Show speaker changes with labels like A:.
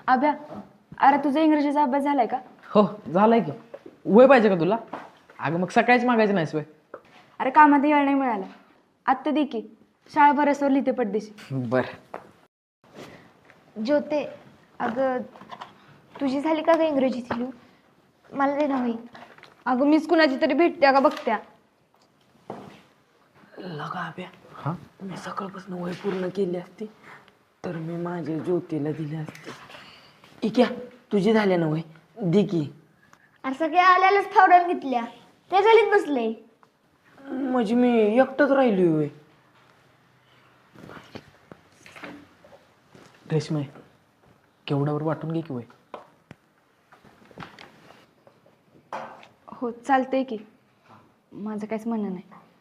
A: अभ्या, अरे तुझा इंग्रजीचा अभ्यास झालाय का?
B: हो झालंय की. वय पाहिजे का तुला? अगं मग सकाळीच मागायचं नाहीस वय.
A: अरे कामात वेळ नाही मिळाला. आत्ता दे की, शाळा बरसवर लिहिते पडदेशी.
B: बर.
C: ज्योते, अगं तुझी झाली का ग इंग्रजीची लिहून? मला दे ना वही.
A: अगं मीच कुणाची तरी भेटत्या का बघत्या.
D: लगा अभ्या, मी सकाळपासून वय पूर्ण केली असती तर मी माझ्या ज्योतीला दिली असते. इक्या, तुझी झाले ना वय, दे की.
C: अरे सगळ्या आल्यालाच फावड्यान घेतल्या, ते झालीत बसले.
D: म्हणजे मी एकटंच राहिली वय.
B: रेशमे, केवढ्यावर वाटून घे की वय.
A: हो चालतंय की, माझं काहीच म्हणणं नाही.